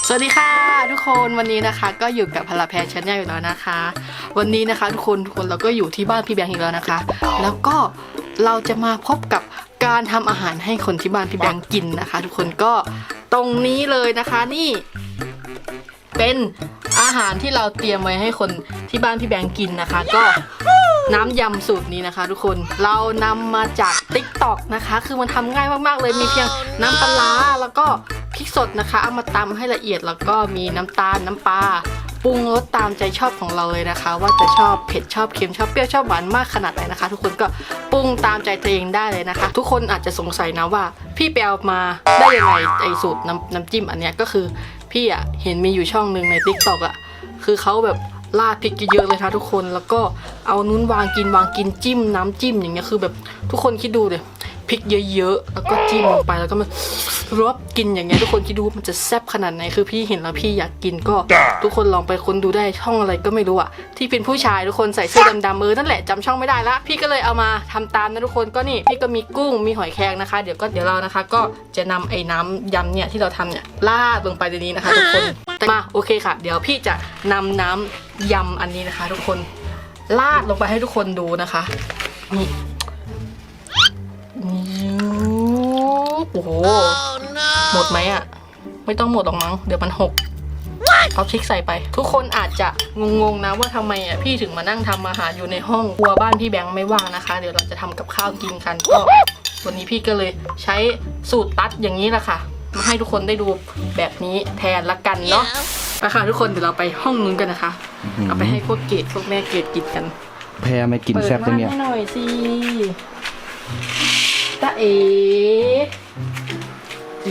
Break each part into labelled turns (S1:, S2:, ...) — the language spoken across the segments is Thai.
S1: สวัสดีค่ะทุกคนวันนี้นะคะก็อยู่กับพลาแพรชาแนลอยู่แล้วนะคะ วันนี้นะคะทุกคนเราก็อยู่ที่บ้านพี่แบงค์อีกแล้วนะคะ แล้วก็เราจะมาพบกับการทำอาหารให้คนที่บ้านพี่แบงค์กินนะคะ ทุกคนก็ตรงนี้เลยนะคะนี่เป็นอาหารที่เราเตรียมไว้ให้คนที่บ้านพี่แบงค์กินนะคะ ก็น้ำยำสูตรนี้นะคะ ทุกคนเรานำมาจาก TikTok นะคะคือมันทำง่ายมากๆเลยมีเพียงน้ำปลาแล้วก็พริกสดนะคะเอามาตำให้ละเอียดแล้วก็มีน้ำตาลน้ำปลาปรุงรสตามใจชอบของเราเลยนะคะ ว่าจะชอบเผ็ดชอบเค็มชอบเปรี้ยวชอบหวานมากขนาดไหนนะคะ ทุกคนก็ปรุงตามใจตัวเองได้เลยนะคะ ทุกคนอาจจะสงสัยนะว่าพี่ไปเอามาได้ยังไงไอสูตรน้ำจิ้มอันเนี้ยก็คือพี่อะเห็นมีอยู่ช่องหนึ่งใน TikTok อะคือเขาแบบราดพริกเยอะๆเลยค่ะทุกคนแล้วก็เอานู้นวางกินจิ้มน้ำจิ้มอย่างเงี้ยคือแบบทุกคนคิดดูเลยพริกเยอะๆแล้วก็จิ้มลงไปแล้วก็มันรวบกินอย่างเงี้ยทุกคนคิดดูมันจะแซ่บขนาดไหนคือพี่เห็นแล้วพี่อยากกินก็ทุกคนลองไปค้นดูได้ช่องอะไรก็ไม่รู้อะที่เป็นผู้ชายทุกคนใส่เสื้อดำๆนั่นแหละจำช่องไม่ได้ละพี่ก็เลยเอามาทำตามนะทุกคนก็นี่พี่ก็มีกุ้งมีหอยแครงนะคะเดี๋ยวเรานะคะก็จะนำไอ้น้ำยำเนี่ยที่เราทำเนี่ยราดลงไปในนี้นะคะทุกคนมาโอเคค่ะเดี๋ยวพี่จะนำน้ำยำอันนี้นะคะทุกคนราดลงไปให้ทุกคนดูนะคะนี่โอ้โหหมดไหมอ่ะไม่ต้องหมดหรอกมั้งเดี๋ยวมันหกเอาพริกใส่ไปทุกคนอาจจะงงๆนะว่าทำไมอ่ะพี่ถึงมานั่งทำอาหารอยู่ในห้องครัวบ้านพี่แบงค์ไม่ว่างนะคะเดี๋ยวเราจะทำกับข้าวกินกันก็วันนี้พี่ก็เลยใช้สูตรตัดอย่างนี้แหละค่ะมาให้ทุกคนได้ดูแบบนี้แทนละกันเนาะไปค่ะทุกคนเดี๋ยวเราไปห้องนู้นกันนะคะเอาไปให้พวกเกดพวกแม่เกดกินกัน
S2: แพรไม่กินแซ่บจังเนี่ย
S1: เปิดม่านให้หน่อยสิตาเอจึ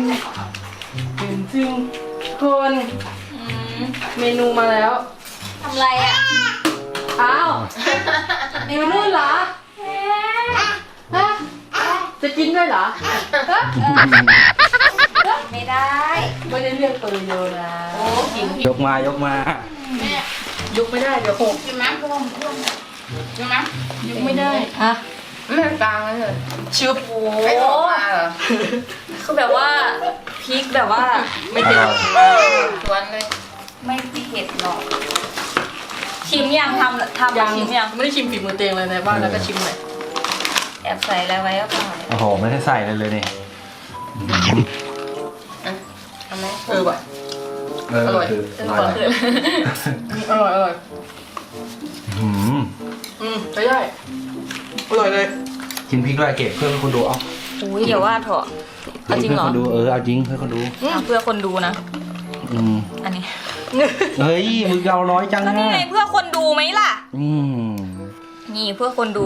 S1: งคนเมนูมาแล้ว
S3: ทำไรอ่ะ
S1: อ้าวเมนูเหรอฮะจะกินด้วยเหรอ
S3: ไม่ได้
S1: ไม่ได้เรียกตัวโยนะ
S3: โอ้กิน
S2: ยกมายก
S1: ไม่ได้เดี๋ยวหก
S3: กินมั้ยพ่วงกินมั้ย
S1: ยกไม่ได้ฮะ
S3: ไม่กลางเลย
S1: ชุบ
S3: โอ้คือแบบว่าพริกแบบว่า
S1: ไม่เผ็ด
S3: สวนเลยไม่เผ็ดหรอกชิมยังทำชิมยัง
S1: ไม่ได้ชิมฝีมือเตงเลยในบ้านแล้วก็ชิมเลย
S3: แอบใส่อะไรไว้ก็พอ
S2: โอ้โหไม่ได้ใส่เลยนี่
S3: ทำไหม
S1: ว่ะอร่อยอร่อยใช่อร่อยเลย
S2: กินพริกด้วยเก็บเพื่อคนดูเอา
S3: อุ้ยเดี๋ยวว่าเถอะเอาจริงเหรอ
S2: เพื่อคนดูเอาจริงเพื่อคนดู
S3: เพื่อคนดูนะอันนี้
S2: เฮ้ยมึงเอาน้อยจังนะ
S3: นี่ไงเพื่อคนดูไหมล่ะนี่เพื่อคนดู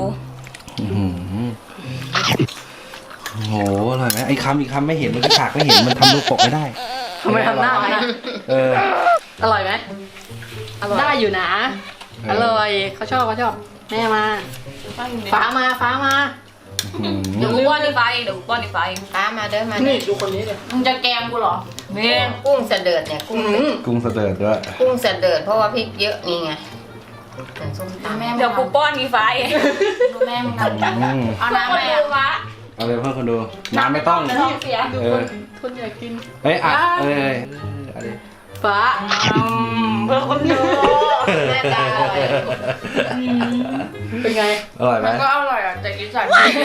S2: โอ้โหอร่อยไหมไอ้คำไม่เห็นมันก็ฉากไม่เห็นมันทำรูปปกไม่ได้
S1: ทำไมทำหน้าไม่ได้อร่อยไหมได้อยู่นะอร่อยเขาชอบแม่มาฟ้ามา
S3: เดี๋ยวป้อนในไฟฟ้ามาเดินมา
S1: นี่ดูคนนี้เลย
S3: มึงจะแกงกูเหรอเนี่ยกุ้งเสด็จเนี่ย
S2: กุ้งเสด็จด้วย
S3: กุ้งเสด็จเพราะว่าพริกเยอะนี่ไงเดี๋ยวกูป้อนในไฟดูแม่มึงเอาน้ำไหม
S2: เอาเลยเพื่อคนดูน้ำไม่ต้อง
S1: คนอยากกิน
S2: เฮ้ย
S1: ฟ้า
S3: เพื่อคนดูแม่ตา
S1: เป็นไง
S2: อร่อยไหม
S3: ก็อร่อยอ่ะแต่กินใส่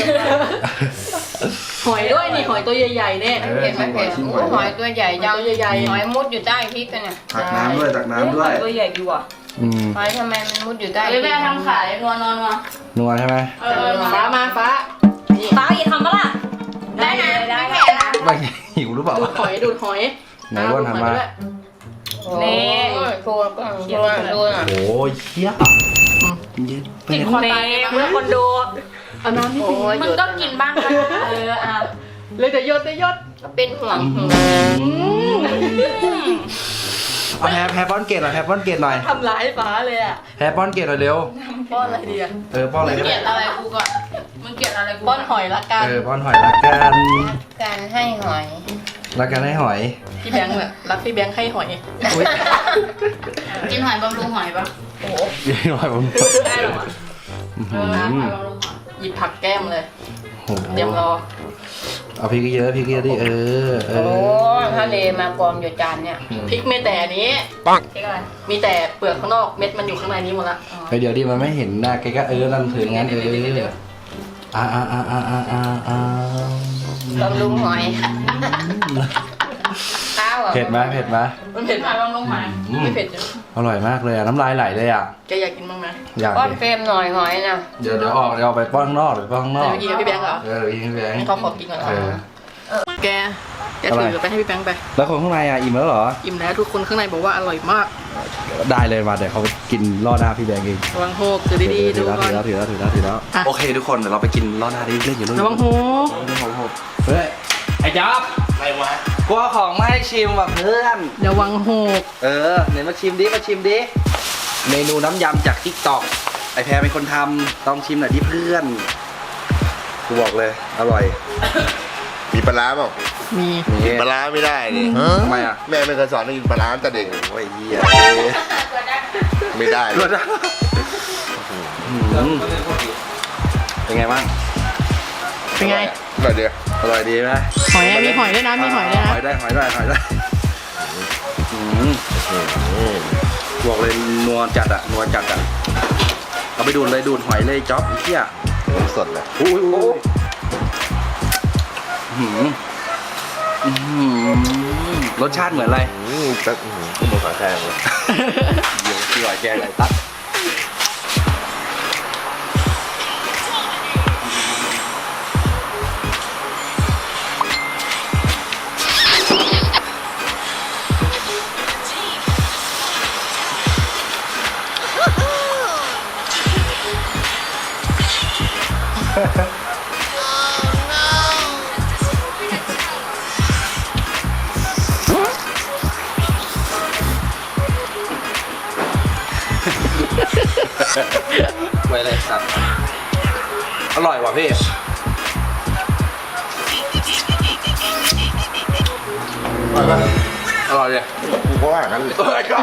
S1: หอยด้วยนี่หอยตัวใหญ่ๆเนี่ย
S3: เห็นไหมเห็นหอยตัวใหญ่ยาวใหญ่หอยมุดอยู่ใต้พริกกันเนี่ย
S2: ตักน้ำด้วย
S3: ตัวใหญ่ดีว่ะหอยทำไมมันมุดอยู่ใต้แม่ทำขาย
S2: นัวใช่ไหม
S1: ฟ้า
S3: อย่าทำมาล่ะได้
S2: ไม่หิวหรือเปล่า
S1: ดูดหอย
S2: ไหนว่าทำมา
S3: นี่โคตรโ
S2: อ้ยเชี่ย
S3: กินคนตายเพื่อคนดู
S1: เอาน้ำที่
S3: มึงก็กินบ้างนะ
S1: เลยแต่ยศ
S3: เป็นห่วง
S2: เอาแพรป้อนเกตหน่อย
S1: ทำร้ายฟ้าเลยอ่ะ
S2: แพรป้อนเกตหน่อยเร็ว
S1: ป้อนอะไรดีอ่ะ
S2: ป้อนอะไร
S3: เกลียดอะไรกูก่อนมึงเกลียดอะไรกู
S1: ป้อนหอยละกัน
S2: ป้อนหอยละกัน
S3: การให้หอย
S2: รักกันให้หอย
S1: พี่แบงค์อะรักพี่แบงค์ให้หอย
S3: กินหอยบำรุงหอยปะโอ้
S2: กินหอยบำรุง
S3: ได้หรอ
S1: หยิบผักแก้มเลยเตรียมรอ
S2: เอาพริกเยอะพริกเยอะดิเอ
S3: โอ้
S2: อ
S3: ทะเลมากองอยู่จานเนี่ย
S1: พริกไม่แต่อันนี้
S3: พริกอะไร
S1: มีแต่เปลือกข้างนอกเม็ดมันอยู่ข้างในนี้หมดละ
S2: เฮ้ยเดี๋ยวดิมันไม่เห็นหน้าแกก็นั่นถืองั้น
S3: ลองลุงหอยข้าวอ่ะ
S2: เผ็ดไหม
S1: มันเผ็ด
S3: มาลองลุงหอย
S1: ไม่เผ็ดจ้ะ
S2: อร่อยมากเลยอ่ะน้ำลายไหลเลยอ่ะ
S1: แกอยากกินบ้างไหม
S2: อยาก
S3: ป้อน
S2: ดิ
S3: เฟรมหน่อยหอยนะ
S2: เดี๋ยวเอาไปป้อนข้างนอกไปป้อนข้างนอก
S1: จะไปกินกับพี่แบงค์เหรอ
S2: ยิงพี่แบงค์
S1: ให้เขาขอกินก่อนเหรอ แกถือไปให้พี่แบงค์ไป
S2: แล้วคนข้างในอ่ะอิ่มแล้วเหรอ
S1: อิ่มแล้วทุกคนข้างในบอกว่าอร่อยมาก
S2: ได้เลยมาเดี๋ยวเขาไปกินล่อหน้าพี่แบงค์เอง
S1: ระวังโฮกถือดีๆดูก่อน
S2: ถือแล้ว
S1: อ่ะ
S2: โอเคทุกคนเดี๋ยวเราไปกินล่อหน้าที่เล่นอยู่นู่น
S1: ระวังโฮก
S2: เฮ้ยไอ้จ๊อบอะไรวะกลัวของไม่ให้ชิมว่ะเพื่อน
S1: ระวังโฮก
S2: ไหนมาชิมดิเมนูน้ำยำจากทิกตอกไอแพรเป็นคนทำต้องชิมหน่อยดิเพื่อนกูบอกเลยอร่อย
S4: มีปลาร้าเปล่า
S1: มี
S4: กินปลาร้าไม่ได้นี่
S2: ทำไมอ่ะ
S4: แม่ไม่เคยสอนให้กินปลาร้าตั้งแต่เด็กโอ้ยเหี้ยไม่ได้
S2: รสอะเป็นไงบ้าง
S1: เป็นไง
S4: หน่อยเดียว
S2: อร่อยดีไหม
S1: หอยมีหอยด้วยนะมีหอยด้วยนะ
S2: หอยได้บอกเลยนัวจัดอ่ะเอาไปดูดหอยเลยจ๊อบไอ้เหี้ย
S4: น้ำสดเลย
S2: อุ้ยรสชาติเหมือนอะไร
S4: ก็ก็หมูขาแข้งเลย
S2: เดี๋ยวพี่หอยแกงไหนตัดไว้เลยสัตว์อร่อยว่ะพี่อร่อยเลย
S4: กูก็ว่างั้นเลย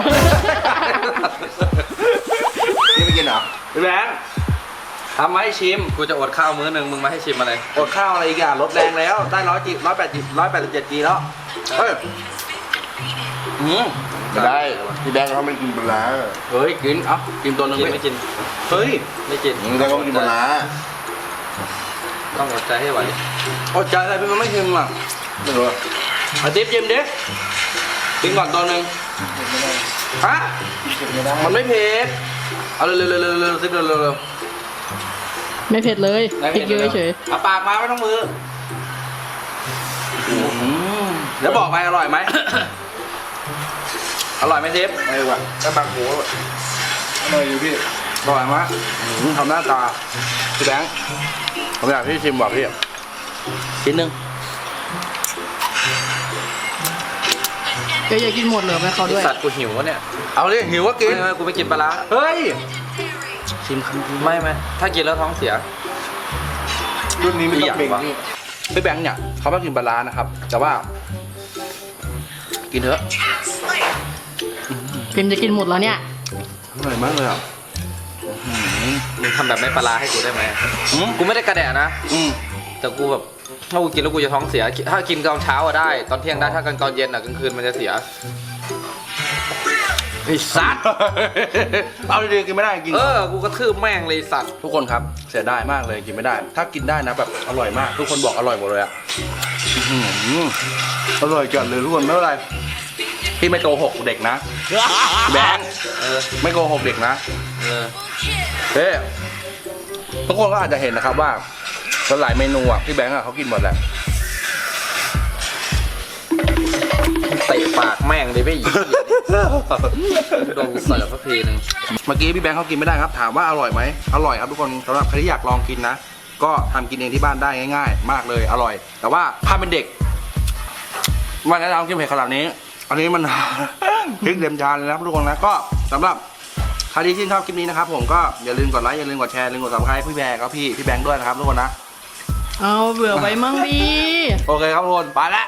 S4: นี่ไม่กินเหรอ
S2: พี่แบงค์ทำมาให้ชิม
S5: กูจะอดข้าวมื้อหนึ่งมึงมาให้ชิมอะไร
S2: อดข้าวอะไรอีกอ่ะลดแรงแล้วได้187 จีแล้วเฮ้ย
S4: ไม่ได้พี่แบงค์เขาไม่กินปลาร้า
S2: เฮ้ยกินเอ้ากินตัวหนึง
S5: ไม่กิน
S2: เฮ้ย
S5: ไม่กิน
S4: พี่แบงค์เขาไม่กินปลาร้า
S5: ต้องอดใจให้ไหว
S2: อดใจอะไรพี่มันไม่ชิมอ่ะ
S4: ไม่รู้
S2: เอาติ๊บชิมดิกินก่อนตัวหนึงฮะมันไม่เผ็ดเอาเร็วๆติ๊บเร็ว
S1: ไม่เผ็ดเลย
S2: ๆ
S1: พริกเยอะเฉย
S2: เอาปากมาไม่ต้องมือแล้วบอกไปอร่อยไหม อร่อยไหมทิพย์
S4: ไม่ว่ะถ้าบางหูอร่อยอยู่พี่
S2: อร่อยไหมทำหน้าตาพี่แบงค์ผมอยากพี่ชิมบอกพี่ชิ้นหนึ่ง
S1: แกอยากกินหมดเหรอแม่เขาด้วย
S5: สัตว์กูหิววะเนี่ย
S2: เอาดิหิวก็กิน
S5: ไม่กูไม่กินปลาร้า
S2: เฮ้ยชิมคำ
S5: ไม่ถ้ากินแล้วท้องเสีย
S4: รุ่นนี้ไม่ต้องเบ่ง
S5: อยากวะ
S4: นี่
S2: พี่แบงค์เนี่ยเขาไม่กินปลาร้านะครับ แต่ว่า กินเถอะ
S1: พิมจะกินหมดแล้วเนี่ย
S2: อร่อยมากเลยอ่ะ
S5: มึงทำแบบไม่ปลาร้าให้กูได้ไหม
S2: อืม
S5: กูไม่ได้กระแดะนะ
S2: อืม
S5: แต่กูแบบถ้ากูกินแล้วกูจะท้องเสีย ถ้ากินตอนเช้าอะได้ ตอนเที่ยงได้ ถ้ากันตอนเย็นอะกลางคืนมันจะเสีย
S2: ไอ้สัตว์ เอาดีๆกินไม่ได้กิน
S5: กูกระทืบแม่งเลยไอ้สัตว์
S2: ทุกคนครับเสียดายมากเลยกินไม่ได้ ถ้ากินได้นะแบบอร่อยมาก ทุกคนบอกอร่อยหมดเลยอ่ะอื้อหืออร่อยจัดเลยทุกคนไม่เป็นไรพี่ไม่โกหกเด็กนะแบงค์ไม่โกหกเด็กนะ
S5: เออ
S2: เฮ้ทุกคนก็อาจจะเห็นนะครับว่าหลายเมนูอ่ะพี่แบงค์อ่ะเขากินหมดแหละ
S5: เตะปากแม่งเลยไม่หยิบโดนเสิร์ฟสักทีนึง
S2: เมื่อกี้พี่แบงค์เขากินไม่ได้ครับ ถามว่าอร่อยไหมอร่อยครับทุกคนสำหรับใครที่อยากลองกินนะ ก็ทำกินเองที่บ้านได้ง่ายๆ มากเลยอร่อย แต่ว่าถ้าเป็นเด็กไมันแนะนำกินเผ็ดขนาดนี้ อันนี้มัน พริกเต็มจานเลยนะครับทุกคนนะก็สำหรับใครที่ชื่นชอบคลิปนี้นะครับผมก็อย่าลืมกดไลค์อย่าลืมกดแชร์อย่าลืมกดซับสไครต์พี่แบงค์ครับพี่แบงค์ด้วยนะครับทุกคนนะ
S1: เอาเบื่อไว้มั่งดี
S2: โอเคครับทุกคนไปละ